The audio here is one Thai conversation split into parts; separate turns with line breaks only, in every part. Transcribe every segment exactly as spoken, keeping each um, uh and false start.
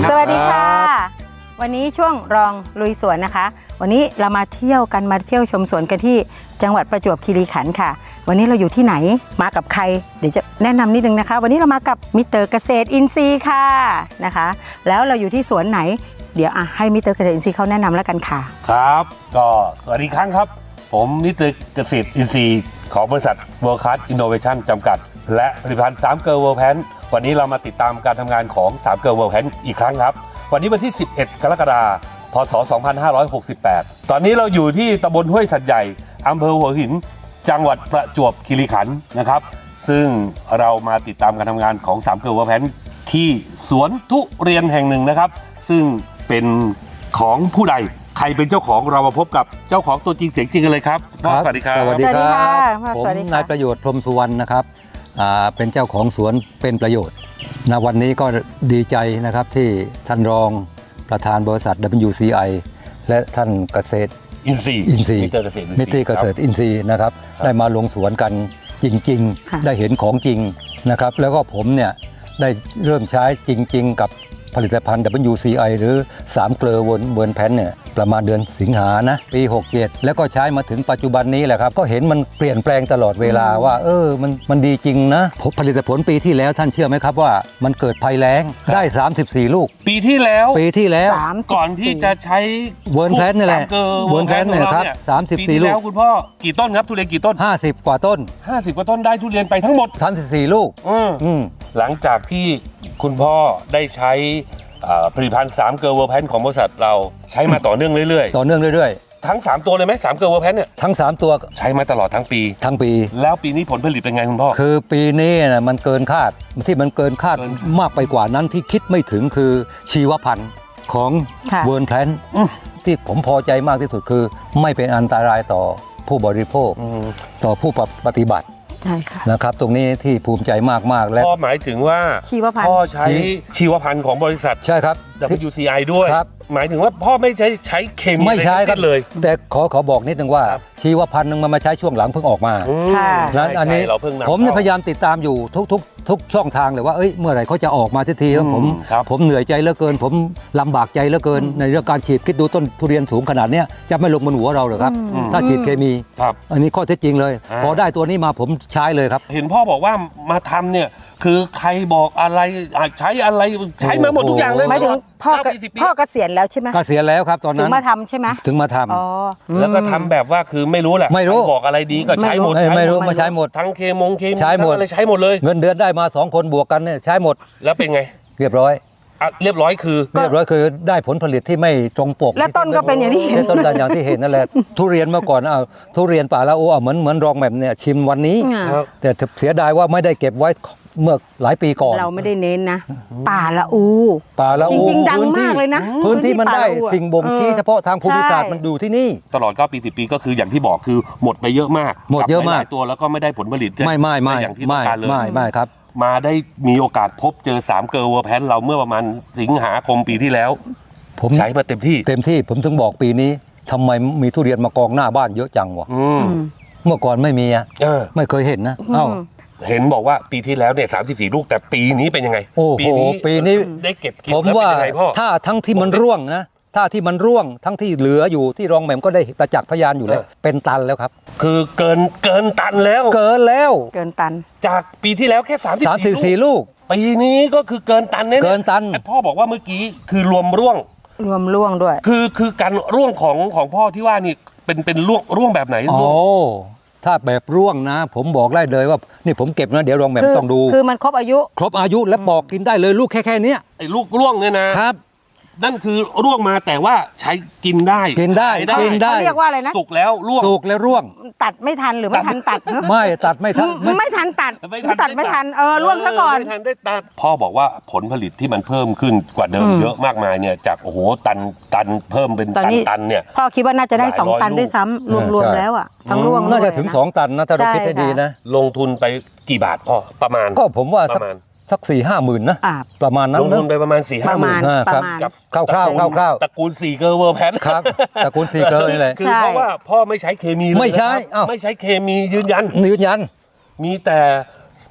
สวัสดีค่ะวันนี้ช่วงรองลุยสวนนะคะวันนี้เรามาเที่ยวกันมาเที่ยวชมสวนกันที่จังหวัดประจวบคีรีขันธ์ค่ะวันนี้เราอยู่ที่ไหนมากับใครเดี๋ยวจะแนะนำนิดนึงนะคะวันนี้เรามากับมิสเตอร์เกษตรอินทรีย์ค่ะนะคะแล้วเราอยู่ที่สวนไหนเดี๋ยวอ่ะให้มิสเตอร์เกษตรอินทรีย์เขาแนะนำแล้วกันค่ะ
ครับก็สวัสดีครั้งครับผมมิสเตอร์เกษตรอินทรีย์ของบริษัท World Class Innovation จำกัดและผลิตภัณฑ์สามเกลอ World Pan วันนี้เรามาติดตามการทำงานของสามเกลอ World Pan อีกครั้งครับวันนี้วันที่สิบเอ็ดกรกฎาคมพศสองพันห้าร้อยหกสิบแปดตอนนี้เราอยู่ที่ตำบลห้วยสัตว์ใหญ่อำเภอหัวหินจังหวัดประจวบคีรีขันธ์นะครับซึ่งเรามาติดตามการทำงานของสามเกลอ World Pan ที่สวนทุเรียนแห่งหนึ่งนะครับซึ่งเป็นของผู้ใดใครเป็นเจ้าของเรามาพบกับเจ้าของตัวจริงเสียงจริงกันเลยครับสวัสดีครับ
สวัสดีครับผม
สวัสดีค่ะ
นายประโยชน์พรหมสุวรรณนะครับเป็นเจ้าของสวนเป็นประโยชน์ณวันนี้ก็ดีใจนะครับที่ท่านรองประธานบริษัท ดับเบิลยู ซี ไอ และท่านเกษตร
อินทรีย์
อินทรีย์
มิสเตอร์เกษตรอินทรีย์
มิสเตอร์เกษตรอินทรีย์นะครับได้มาลงสวนกันจริงๆได้เห็นของจริงนะครับแล้วก็ผมเนี่ยได้เริ่มใช้จริงๆกับผลิตภัณฑ์ ดับเบิลยู ซี ไอ หรือสามเกลอเวิร์นแพนเนี่ยประมาณเดือนสิงหานะปีหกเจ็ดแล้วก็ใช้มาถึงปัจจุบันนี้แหละครับก็เห็นมันเปลี่ยนแปลงตลอดเวลาว่าเออมันมันดีจริงนะผลิตผลปีที่แล้วท่านเชื่อไหมครับว่ามันเกิดภัยแล้งได้สามสิบสี่ลูก
ปีที่แล้ว
ปีที่แล้ว
ก่อนที่จะใช้
เวิร์นแพนนี่แหละ
เวิร์นแพนเนี่ยครับ
สามสิบสี่ลูก
ปีที่แล้วคุณพ่อกี่ต้นครับทุเรียนกี่ต้น
ห้าสิบกว่าต้น
ห้าสิบกว่าต้นได้ทุเรียนไปทั้งหมด
สามสิบสี่ลูก
อืมหลังจากที่คุณพ่อได้ใช้ผลิตภัณฑ์สามเกลอ World Pan ของบริษัทเราใช้มาต่อเนื่องเรื่อย
ๆต่อเนื่องเรื่อย
ๆทั้งสามตัวเลยไหมสามเกลอ World Pan เนี่ย
ทั้งสามตัว
ใช้มาตลอดทั้งปี
ทั้งปี
แล้วปีนี้ผลผลิตเป็นไงคุณพ่อ
คือปีนี้นะมันเกินคาดที่มันเกินคาดมากไปกว่านั้นที่คิดไม่ถึงคือชีวพันธุ์ของเวิร์นแพนที่ผมพอใจมากที่สุดคือไม่เป็นอันตรายต่อผู้บริโภคต่อผู้ปฏิบัตินะครับตรงนี้ที่ภูมิใจมากๆและ
พ่อหมายถึงว่า
ชีวพันธุ์
พ่อใช้ชีวพันธุ์ของบริษัท
ใช่ครับ
ดับเบิลยู ซี ไอ ด้วยหมายถึงว่าพ่อไม่ใช้ใช้เคมี
ไม่ใช้ครับ
เลย
แต่ขอขอบอกนิดนึงว่าชีวพันธุ์นึงมันมาใช้ช่วงหลังเพิ่งออกมานั้นอันนี้ผมพยายามติดตามอยู่ทุกทุกทุกช่องทางเลยว่าเอ้ยเมื่อไหร่เขาจะออกมาทีทีผมผมเหนื่อยใจเหลือเกินผมลำบากใจเหลือเกินในเรื่องการฉีดคิดดูต้นทุเรียนสูงขนาดนี้จะไม่ลงบนหัวเราหรอครับถ้าฉีดเคมีอันนี้ข้อเท็จจริงเลยพอได้ตัวนี้มาผมใช้เลยครับ
เห็นพ่อบอกว่ามาทำเนี่ยคือใครบอกอะไรใช้อะไรใช้มาหมดทุกอย่างเลย
หมายถึงพ่อพ่อเกษียณแล้วใช่ไหม
เกษียณแล้วครับตอนนั้น
ถึงมาทำใช่ไหม
ถึงมาท
ำแล้วก็ทำแบบว่าคือไม่รู้แหละ
ไม่รู้
บอกอะไรดีก็ใช้หมด
ไม่รู้มาใช้หมด
ทั้งเคมงเคมี
ใช้หมด
อะไรใช้หมดเลย
เงินเดือนได้มาสองคนบวกกันเนี่ยใช้หมด
แล้วเป็นไง
เรียบร้อย
เรียบร้อยคือ
เรียบร้อยคือได้ผลผลิตที่ไม่ตรงปก
และต้นก็เป็นอย่างที่เห็น
ต้นกันอย่างที่เห็นนั่นแหละทุเรียนเมื่อก่อนเอาทุเรียนป่าละโอเหมือนเหมือนรองแบบเนี่ยชิมวันนี้แต่เสียดายว่าไม่ได้เก็บไว้เมื่อหลายปีก่อน
เราไม่ได้เน้นนะป่าละอู
ป่าละอู
จริงๆดังมากเลยนะ
พื้นที่มันได้สิ่งบ่งชี้เฉพาะทางภูมิศาสตร์มันอยู่ที่นี่
ตลอดเก้าปีสิบปีก็คืออย่างที่บอกคือหมดไปเยอะมาก
หมดเยอะมาก
ตัวแล้วก็ไม่ได้ผลผลิต
ไม่ไม่ไม่
อย่างที่ต้องการเลย
ไม่ไม่ครับ
มาได้มีโอกาสพบเจอสามเกลอ World Pan เราเมื่อประมาณสิงหาคมปีที่แล้วผมใช้มาเต็มที่
เต็มที่ผมถึงบอกปีนี้ทำไมมีทุเรียนมากองหน้าบ้านเยอะจังวะเมื่อก่อนไม่มีอ่ะไม่เคยเห็นนะเอ้า
เห็นบอกว่าปีที่แล้วเนี่ยสามสิบสี่ลูกแต่ปีนี้เป็นยังไง
ปีนี้ปีนี้
ได้เก็บเกี่ยว
ผมว่าถ้าทั้งที่มันร่วงนะถ้าที่มันร่วงทั้งที่เหลืออยู่ที่รองแหม่มก็ได้ประจักษ์พยานอยู่แล้วเป็นตันแล้วครับ
คือเกินเกินตันแล้ว
เกินแล้ว
เกินตัน
จากปีที่แล้วแค่สามสิบ
สี่ลูก
ปีนี้ก็คือเกินตันเนี่ย
เกินตัน
พ่อบอกว่าเมื่อกี้คือรวมร่วง
รวมร่วงด้วย
คือคือการร่วงของของพ่อที่ว่านี่เป็นเป็นร่วงร่วงแบบไหนร่วง
ถ้าแบบร่วงนะผมบอกได้เลยว่านี่ผมเก็บนะเดี๋ยวรองแบบต้องดู
คือมันครบอายุ
ครบอายุแล้วปอกกินได้เลยลูกแค่แค่นี้
ไอ้ลูกร่วงเนี่ยนะครับนั่นคือร่วงมาแต่ว่าใช้กินได้
กินได้กินได้
เรียกว่าอะไรนะ
สุกแล้วร่วง
สุกแล้วร่วง
ตัดไม่ทันหรือไม่ทันตัด
ไม่ตัดไม่ทัน
ไม่ทันตัดตัดไม่ทันเออร่วงซะก่อน
ไม่ทันได้ตัดพ่อบอกว่าผลผลิตที่มันเพิ่มขึ้นกว่าเดิมเยอะมากมายเนี่ยจากโอ้โหตันตันเพิ่มเป็นตันตันเนี่ย
พ่อคิดว่าน่าจะได้สองตันด้วยซ้ำรวมๆแล้วอ่ะทั้งร่วง
น่าจะถึงสองตันนะถ้าเราคิดให้ดีนะ
ลงทุนไปกี่บาทพ่อประมาณ
ก็ผมว่าประมาณสักสี่ห้าหมื่นนะประมาณนั้น
ลงทุนไปประมาณสี่ห้าหมื่น
ครับคร่าวๆคร่าว
ๆตระกูลสี่เกลอ World Pan
ครับตระกูลสี่เกลอนี่แหละ
คือเพราะว่าพ่อไม่ใช้เคมี
ไม่ใช้
ไม่ใช้เคมียืนยัน
ยืนยัน
มีแต่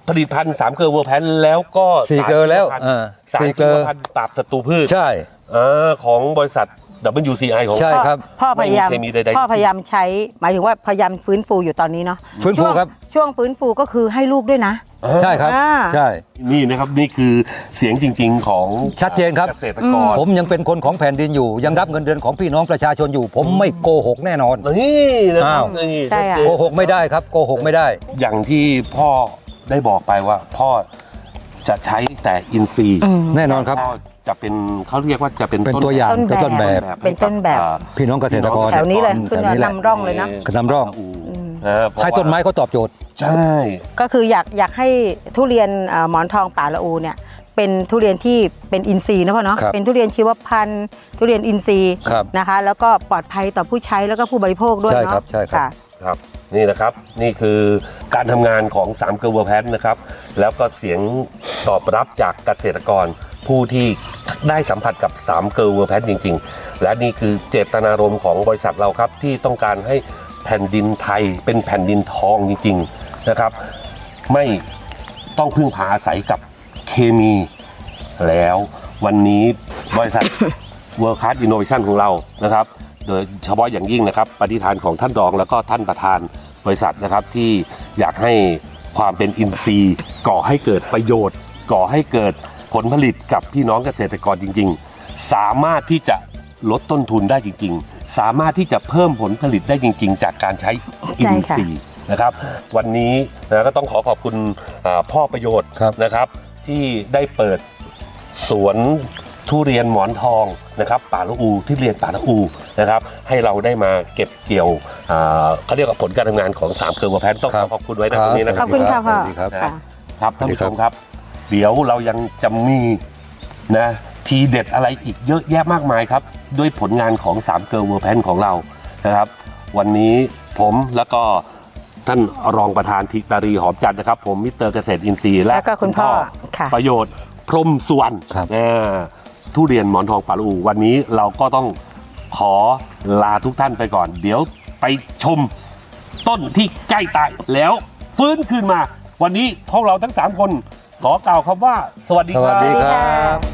ผลิตภัณฑ์สามเกลือเวอร์แพนแล้วก็
สี่เกลือแล้ว
สาร
อ่า
สาร
สี่
ชี
เกลื
ว
อ
พันธุ์ปราบศัตรูพืช
ใช่
อ่าของบริษัท ดับเบิลยู ซี ไอ ของ
ใช่ครับ
พ่อพยายาม
ไม่มีเคมีใดๆ
พ่อพยายามใช้หมายถึงว่าพยายามฟื้นฟูอยู่ตอนนี้เนาะ
ฟื้นฟู
ช่วง
ครับ
ช่วงฟื้นฟูก็คือให้ลูกด้วยนะ
ใช่ครับ
อ่า
ใช่
นี่นะครับนี่คือเสียงจริงๆของ
ชัดเจนครับ
เกษตรกร
ผมยังเป็นคนของแผ่นดินอยู่ ยังรับเงินเดือนของพี่น้องประชาชนอยู่ ผมไม่โกหกแน่นอน
นี่นะครับ
อ้าว
นี่
ใช่ค่ะ
โกหกไม่ได้ครับโกหกไม่ได้
อย่างที่พ่อได้บอกไปว่า พ่อจะใช้แต่อินทรีย์
อืม
แน่นอนครับ
พ่อจะเป็นเขาเรียกว่าจะเป็น
เป็นตัวอย่าง
ต้นแบบ
ต้นแบบ
เป็นต้นแบบ
อ่า
พี่น้องเกษตรกร
แถวนี้เลย
แถ
ขึ้น
วนี้แหละ
นำร่องเลยนะ
นำร่อง
นะเพราะ
ให้ต้นไม้
ว่า
เขาตอบโจทย์
ใช่
ก็คืออยากอยากให้ทุเรียนเอ่อหมอนทองป่าละอูเนี่ยเป็นทุเรียนที่เป็นอินทรีย์นะพ่อเนาะ
ครับ
เป็นทุเรียนชีวพันธุ์ทุเรียนอินทรีย์
ครับ
นะคะ แล้วก็ปลอดภัยต่อผู้ใช้แล้วก็ผู้บริโภคด้วย
ใช่
เนาะ
ครับใช่ครับ
ค่ะ
ครับนี่นะครับนี่คือการทำงานของสามเกลือเวอร์แพนนะครับแล้วก็เสียงตอบรับจากเกษตรกรผู้ที่ได้สัมผัสกับสามเกลือเวอร์แพนจริงๆ และนี่คือเจตนารมณ์ของบริษัทเราครับที่ต้องการให้แผ่นดินไทยเป็นแผ่นดินทองจริงๆนะครับไม่ต้องพึ่งพาอาศัยกับเคมีแล้ววันนี้บริษัท World Class Innovation ของเรานะครับโดยเฉพาะอย่างยิ่งนะครับปฏิฐานของท่านรองแล้วก็ท่านประธานบริษัทนะครับที่อยากให้ความเป็นอินทรีย์ก่อให้เกิดประโยชน์ ก่อให้เกิดผลผลิตกับพี่น้องเกษตรกรจริงๆ สามารถที่จะลดต้นทุนได้จริงๆ สามารถที่จะเพิ่มผลผลิตได้จริงๆ จากการใช้อินทรีย์นะครับวันนี้นะก็ต้องขอขอบคุณอ่าพ่อประโยชน์
ครับ
นะครับที่ได้เปิดสวนทุเรียนหมอนทองนะครับป่าละอูที่เรียนป่าละอูนะครับให้เราได้มาเก็บเกี่ยวอ่าเขาเรียกว่าผลการทำงานของสามเกลือเวอร์แพนต้องข
ครั
อบ ขอบคุณไว้นะตรงนี้นะค
ข
รั
อบ บคุณค่ะพ่อ
สวัสดีครับ
ค่ะ
ครับท่านผู้ชมครับ เดี๋ยวเรายังจะมีนะทีเด็ดอะไรอีกเยอะแยะมากมายครับด้วยผลงานของสามเกลือเวอร์แพนของเรานะครับ วันนี้ผมแล้วก็ท่านรองประธานธิตารีหอมจันทร์นะครับ ผมมิสเตอร์เกษตรอินทรีย์และ
แล้วก็คุณพ่อค่ะ
ประโยชน์พรหมสุวรรณ
ครับ
อ่าทุเรียนหมอนทองป่าละอูวันนี้เราก็ต้องขอลาทุกท่านไปก่อน เดี๋ยวไปชมต้นที่ใกล้ตายแล้วฟื้นคืนมา วันนี้พวกเราทั้งสามคนขอกล่าวคำว่า สวัสดี
ส
ค
วัส
รับ
ดีครับ